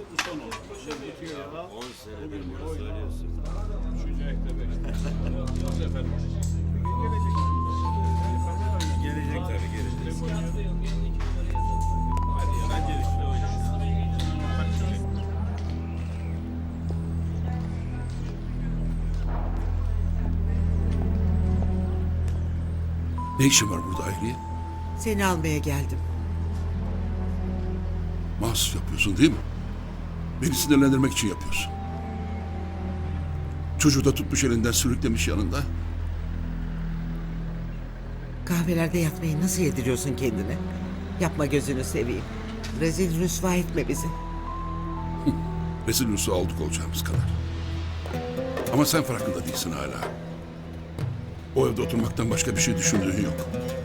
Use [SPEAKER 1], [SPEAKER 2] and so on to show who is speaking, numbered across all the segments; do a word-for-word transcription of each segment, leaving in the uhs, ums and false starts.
[SPEAKER 1] Bu son oldu. Şey bitiyor ya.
[SPEAKER 2] on senedir bunu söylüyorsun.
[SPEAKER 1] Üçüncü ayakta beş. Yaz efendim.
[SPEAKER 2] Gelecek tabii gelecek.
[SPEAKER 1] Hadi ya. Ben gelişine oynayayım.
[SPEAKER 3] Ne işin var burada Hayriye?
[SPEAKER 4] Seni almaya geldim.
[SPEAKER 3] Mahsus yapıyorsun değil mi? Beni sinirlendirmek için yapıyorsun. Çocuğu da tutmuş elinden sürüklemiş yanında.
[SPEAKER 4] Kahvelerde yatmayı nasıl yediriyorsun kendine? Yapma gözünü seveyim. Rezil rüsva etme bizi.
[SPEAKER 3] Rezil rüsva olduk olacağımız kadar. Ama sen farkında değilsin hala. O evde oturmaktan başka bir şey düşündüğün yok.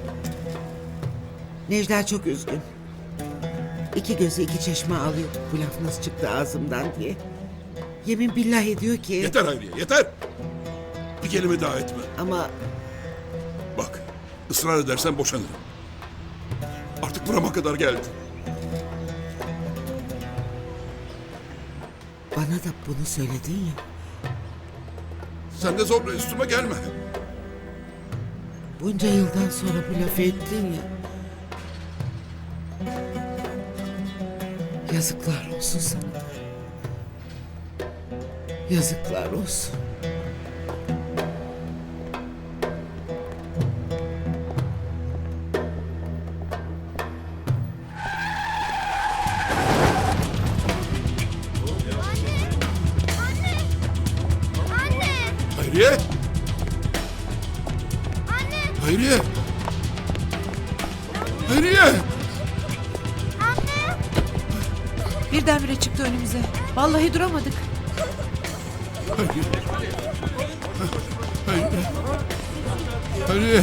[SPEAKER 4] Necla çok üzgün. İki gözü iki çeşme alıyor. Bu laf nasıl çıktı ağzımdan diye. Yemin billah ediyor ki...
[SPEAKER 3] Yeter Hayriye yeter! Bir kelime daha etme.
[SPEAKER 4] Ama
[SPEAKER 3] Bak ısrar edersen boşanırım. Artık burama kadar geldi.
[SPEAKER 4] bana da bunu söyledin ya.
[SPEAKER 3] Sen de zorla üstüme gelme.
[SPEAKER 4] Bunca yıldan sonra bu lafı ettin ya. Yazıklar olsun sana. Yazıklar olsun.
[SPEAKER 3] Hayriye! Hayriye! Hayriye!
[SPEAKER 5] Birdenbire çıktı önümüze. Vallahi duramadık.
[SPEAKER 3] Hayriye! Hayriye! Hayriye!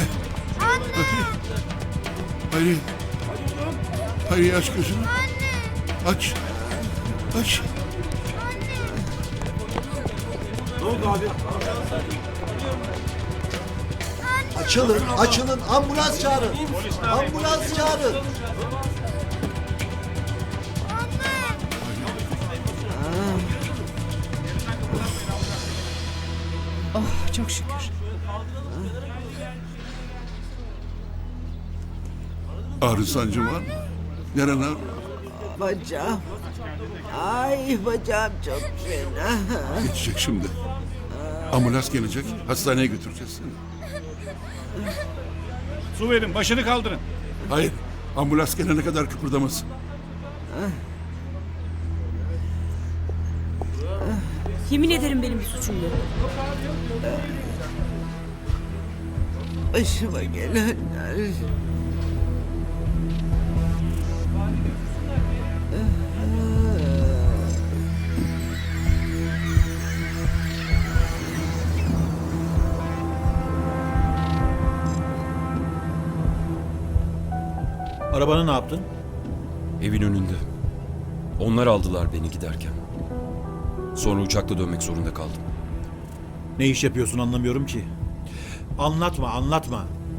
[SPEAKER 3] Hayriye! Hayriye aç gözünü. Aç. Aç.
[SPEAKER 6] Açılın, açılın. Ambulans çağırın. Ambulans çağırın.
[SPEAKER 5] Oh çok şükür.
[SPEAKER 3] Ağrı sancın var mı? Neren ağrıyor?
[SPEAKER 4] Bacağım. Ay bacağım çok fena.
[SPEAKER 3] Geçecek şimdi. Ambulans gelecek. Hastaneye götüreceğiz seni.
[SPEAKER 1] Su verin. Başını kaldırın.
[SPEAKER 3] Hayır. Ambulans gelene kadar kıpırdamasın.
[SPEAKER 5] Yemin ederim benim bir suçum yok.
[SPEAKER 4] Başıma gelenler.
[SPEAKER 7] Arabanı ne yaptın?
[SPEAKER 8] Evin önünde. Onlar aldılar beni giderken. Sonra uçakla dönmek zorunda kaldım.
[SPEAKER 7] Ne iş yapıyorsun anlamıyorum ki. Anlatma, anlatma.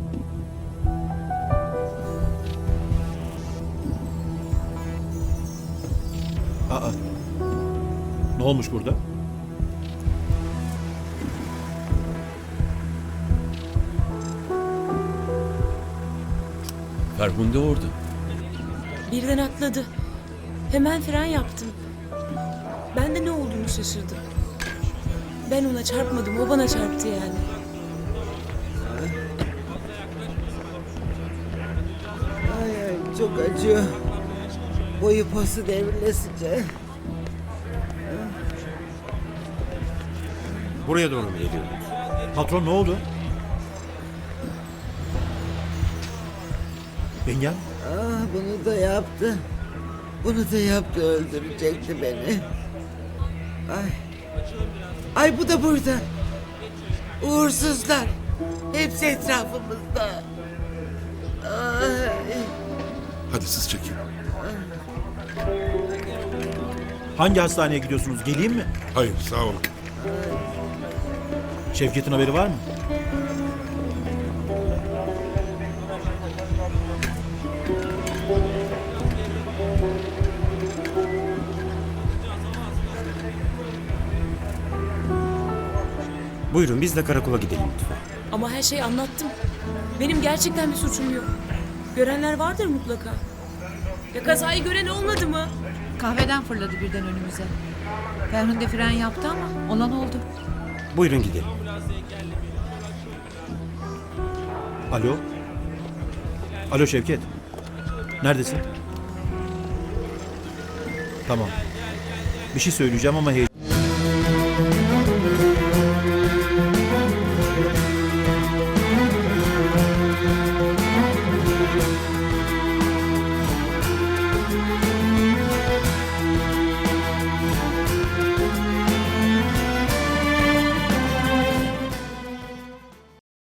[SPEAKER 7] Aa. Ne olmuş burada?
[SPEAKER 8] Ferhunde orada.
[SPEAKER 5] Birden atladı. Hemen fren yaptım. Ben de ne olduğunu şaşırdım. Ben ona çarpmadım, o bana çarptı yani.
[SPEAKER 4] Ay ay çok acıyor. Boyu posu devrilesince.
[SPEAKER 7] Buraya doğru mu geliyor? Patron ne oldu? Yengem?
[SPEAKER 4] Ah bunu da yaptı. Bunu da yaptı öldürecekti beni. Ay. Ay bu da burada. Uğursuzlar. Hepsi etrafımızda. Ay.
[SPEAKER 3] Hadi siz çekin.
[SPEAKER 7] Hangi hastaneye gidiyorsunuz? Geleyim mi?
[SPEAKER 3] Hayır sağ olun.
[SPEAKER 7] Şevket'in haberi var mı?
[SPEAKER 9] Buyurun biz de karakola gidelim lütfen.
[SPEAKER 5] Ama her şeyi anlattım. Benim gerçekten bir suçum yok. Görenler vardır mutlaka. Ya kazayı gören olmadı mı?
[SPEAKER 10] Kahveden fırladı birden önümüze. Ferhunde fren yaptı ama olan oldu.
[SPEAKER 9] Buyurun gidelim.
[SPEAKER 7] Alo. Alo Şevket. Neredesin? Tamam. Bir şey söyleyeceğim ama heyecan...